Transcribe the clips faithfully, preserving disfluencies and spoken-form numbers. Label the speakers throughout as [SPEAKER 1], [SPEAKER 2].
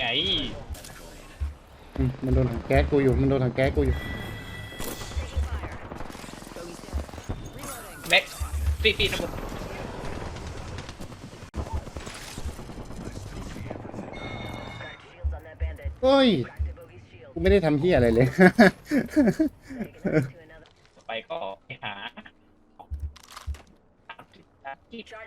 [SPEAKER 1] อืมมันโดนถังแก๊สกูอยู่มันโดนถังแก๊สกูอยู่
[SPEAKER 2] แม็กฟีฟีนะมึง
[SPEAKER 1] เฮ้ยกูไม่ได้ทำเหี้ยอะไรเลย
[SPEAKER 2] ไปก็ไปหาที่จะ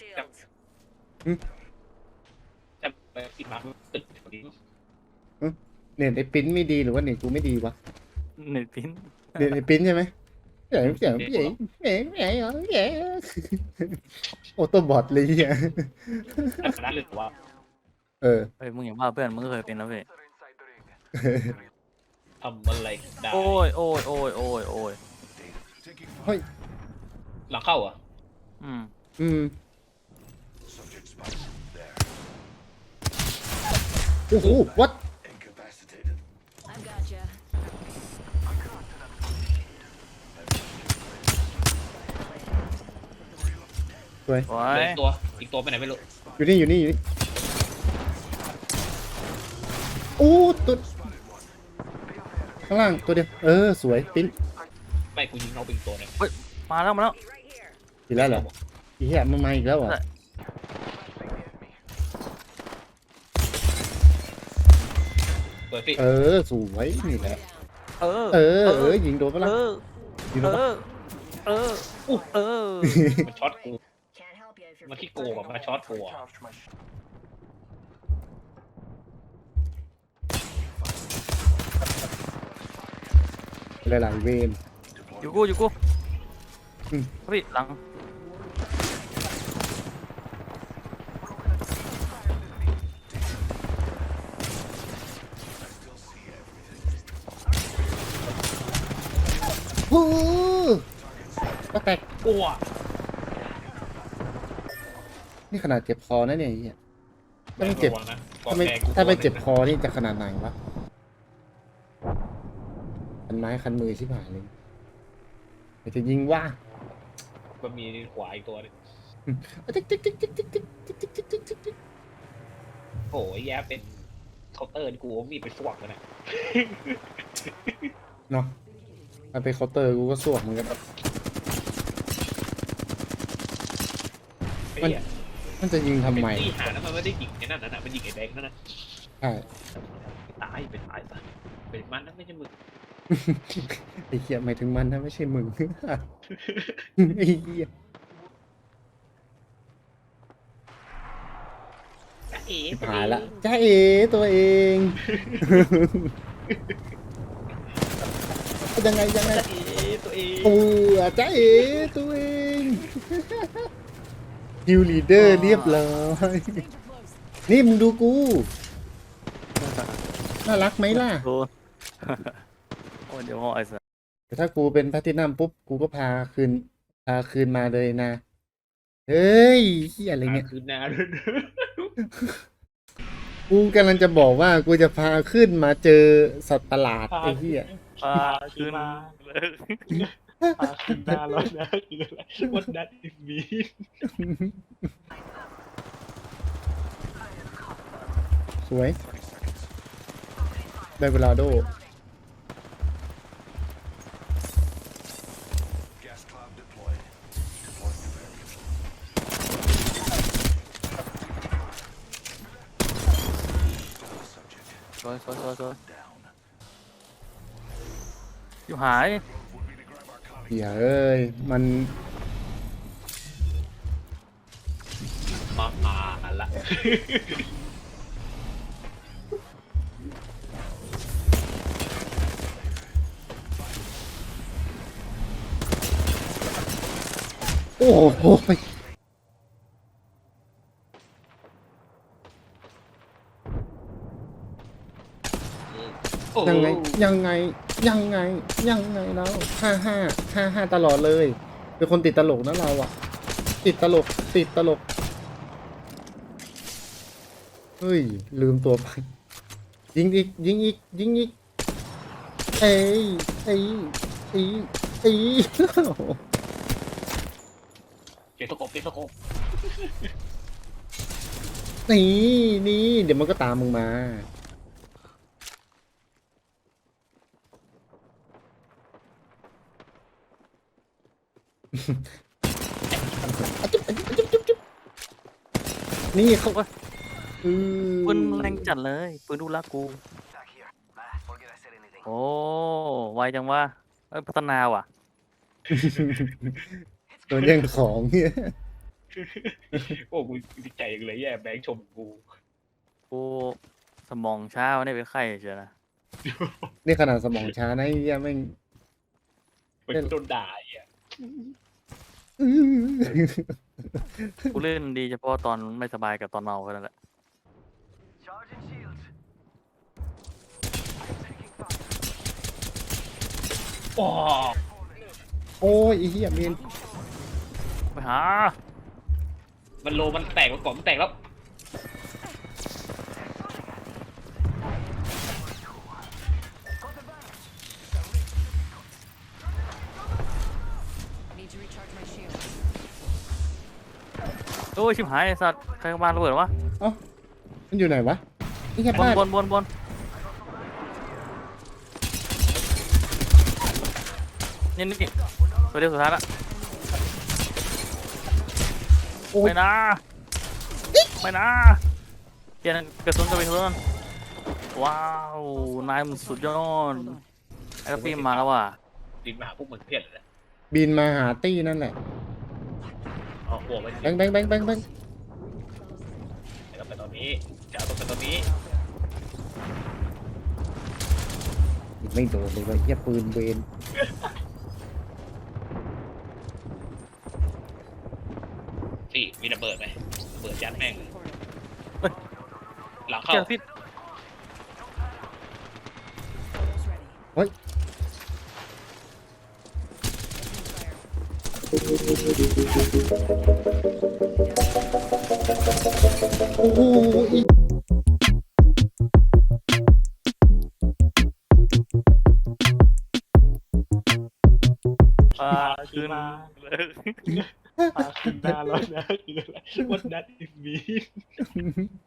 [SPEAKER 2] จะไปปิดมาตึกนี้
[SPEAKER 1] เน็ตไอ้ปิ้นไม่ดีหรือว่าเน็ตกูไม่ดีวะ
[SPEAKER 3] เน็ตพิน
[SPEAKER 1] เน็ตไอ้ปิ้นใช่ไหมเสียงเสียงเสียงเสียงเสียงเสียงโอโต้บอทเลยเหี้ย
[SPEAKER 2] ขนาดเลยว่า
[SPEAKER 1] เออ
[SPEAKER 3] เฮ้ยมึงอย่างว่าเพื่อนมึงก็เคยเป็นนะเว้ย
[SPEAKER 2] ทำอะไรได้
[SPEAKER 3] โอ้ยโอ้ยโอ้ยโอ้ยโอ้ย
[SPEAKER 1] เฮ้ย
[SPEAKER 2] หลังเข้าอ่ะ
[SPEAKER 3] อืม
[SPEAKER 1] อืมโอ้โห what
[SPEAKER 4] I've got you.
[SPEAKER 1] สวย
[SPEAKER 3] โอ้
[SPEAKER 2] เหลื
[SPEAKER 3] ย
[SPEAKER 2] อตัวอีกตัวไปไหนไม่รู้
[SPEAKER 1] อยู่นี่อยู่นี่อยู่นี่โอ้ตัวข้างล่างตัวเดียวเออสวยปิ้น
[SPEAKER 2] ไม่กูยิงเอาไปอีกตัวนึง
[SPEAKER 3] มาแล้วมาแล้ว
[SPEAKER 1] อีกแล้วเหรออีเหี้ยมันมาอีกแล้วเหรอ
[SPEAKER 2] เปิดฟี
[SPEAKER 1] เออสวยนี่แหละ
[SPEAKER 3] เออ
[SPEAKER 1] เออเออยิงโดนปะ
[SPEAKER 3] เอ
[SPEAKER 1] ล่ะ
[SPEAKER 3] อ
[SPEAKER 1] ยิงโด
[SPEAKER 3] เอน
[SPEAKER 1] ปะ
[SPEAKER 3] อเอออู้เออ
[SPEAKER 2] มันช็อตกู
[SPEAKER 4] Can't help you if you're
[SPEAKER 2] มันที่โกงอะมาช็อตกูอะ
[SPEAKER 1] หลายๆเวน
[SPEAKER 3] อยู่กูอยู่กู
[SPEAKER 1] อืม
[SPEAKER 3] พี่หลัง
[SPEAKER 1] ฮู้ก็แตก
[SPEAKER 2] กลัว
[SPEAKER 1] นี่ขนาดเจ็บคอนะเนี่ยไอ้เหี้ยถ้าไม่เจ็บ
[SPEAKER 2] ระวังนะ
[SPEAKER 1] ถ้าไม่ถ้าไม่เจ็บคอนี่จะขนาดไหนวะคันไม้คันมือชิบหายเลยแต่จะยิงว่า
[SPEAKER 2] มันมีขวาอีกตัวนึง
[SPEAKER 1] ติ๊กติ๊กติ๊กติ๊กติ๊กติ๊กติ๊กติ๊กติ๊กติ๊กติ๊กติ๊ก
[SPEAKER 2] โอ้ยแย่เป็นเคาน์เตอร์นี่กูมีไปฟวกเลยนะ
[SPEAKER 1] เนาะถ้าไปเคาน์เตอร์กูก็สวกเหมือนกัน
[SPEAKER 2] ไอ้เหี้ย
[SPEAKER 1] มันจะยิงทำไม
[SPEAKER 2] เป็นที่หาแล้วมันไม่ได้ยิงไอ้นั่นน่ะมันยิงไอ้แดงนั่นน่ะ
[SPEAKER 1] ใช่
[SPEAKER 2] ตายเป็นตายซะเป็นมันนั่นไม่ใช่มึง
[SPEAKER 1] ไอ้เหี้ยหมายถึงมันนะไม่ใช่มึง ไอ้เหี้ย
[SPEAKER 2] จ้าเอ๋
[SPEAKER 1] หายละจ้าเอตัวเอง ยังไงยังไง
[SPEAKER 2] จ้าเอ๋ตัวเอง
[SPEAKER 1] เออจ้าเอตัวเองคิวลีดเดอร์เรียบร้อยนี่มึงดูกูน่ารักไหมล่ะ
[SPEAKER 3] โดนโอ้ยเดี๋ยวห่อไอ้สัส
[SPEAKER 1] แต่ถ้ากูเป็นแพลตตินัมปุ๊บกูก็พาคืนพาคืนมาเลยนะเฮ้ยเฮียอะไรเงี้ย
[SPEAKER 2] คือนาด้วย
[SPEAKER 1] กูกำลังจะบอกว่ากูจะพาขึ้นมาเจอสัตว์ประหลาดไอ้เหี้ย
[SPEAKER 3] ปลาขึ้นเลย
[SPEAKER 2] พาคืนหน้าร้อนนะคืออะไร What that is mean
[SPEAKER 1] สวยได้เวลาโด
[SPEAKER 3] สวยสวยสวยสวยอยู่หาย
[SPEAKER 1] เหี้ยเอ้ยมัน
[SPEAKER 2] มาอ่าละ
[SPEAKER 1] โอ้โหยังไงยังไงยังไงยังไงแล้วห้าห้าห้าห้าตลอดเลยเป็นคนติดตลกนะเราอะติดตลกติดตลกเฮ้ยลืมตัวไปยิงอีกยิงอีกยิงอีกเอ้ยเอ้ยเอ้ยเอ้ย
[SPEAKER 2] เก็บตะกบเก็บตะกบ
[SPEAKER 1] นี่นี่เดี๋ยวมันก็ตามมึงมานี่เขาอือ
[SPEAKER 3] ปืนแรงจัดเลยปืนดูรักกู โอ้ไวจังวะเอ้ยพัฒนาว่ะ
[SPEAKER 1] โดนแย่งของเนี่ย
[SPEAKER 2] โอ้กูดีใจจังเลยแย่แบงค์ชมกู
[SPEAKER 3] กูสมองช้าวะเนี่ยเป็นไข้เชียวนะ
[SPEAKER 1] นี่ขนาดสมองช้านะไอ้เหี้ยแม่ง
[SPEAKER 2] เป็นโดนด่าไอ่ะ
[SPEAKER 1] อื้อ
[SPEAKER 3] กูเล่นดีเฉพาะตอนไม่สบายกับตอนเมาแค่นั้นแหละ
[SPEAKER 2] โอ้
[SPEAKER 1] โอ้ยไอ้เหี้ยเมน
[SPEAKER 3] ไปหา
[SPEAKER 2] มันโลมันแตกมาก่อนมันแตกแล้ว
[SPEAKER 4] Need to recharge my shield.
[SPEAKER 3] โอ้ยชิบหายไอ้สัตว์ใครเข้ามาระเบิดวะ
[SPEAKER 1] เอ้ามันอยู่ไหนวะนี่แค่
[SPEAKER 3] บน
[SPEAKER 1] บ้าน
[SPEAKER 3] บนบนบนนี่นี่ตัวเดียวสุดท้ายละ
[SPEAKER 1] โอ้ย
[SPEAKER 3] ไม่นะไม่นะเปลี่ยนกระสุนกับไปเพื่อนว้าวนายมันสุดยอดไอ้กระปีมาแล้วว่ะ
[SPEAKER 2] ดินมาหาพวกมึงเพี้ยนเลย
[SPEAKER 1] บินมาหาตี้นั่นแหละ
[SPEAKER 2] อ๋อหัวมัน
[SPEAKER 1] แบงค์แบงค์แบงค์แบงค์แบงค์
[SPEAKER 2] เดี๋ยวไปตอนนี้จะเอาตรงไปตอนนี้
[SPEAKER 1] ไม่โดนเลยว่ะเหี้ยปืนเวน
[SPEAKER 2] สิมีระเบิดไหมระเบิดยัดแม่งเลย
[SPEAKER 3] เฮ้ย
[SPEAKER 2] หลังเข้า
[SPEAKER 3] เจ้าพิษ
[SPEAKER 4] Almost ready.
[SPEAKER 1] เฮ้ย โอ้โหอี
[SPEAKER 3] ปลาคืน
[SPEAKER 2] ปลาขึ้นหน้าแล้วนะคืออะไร What that is mean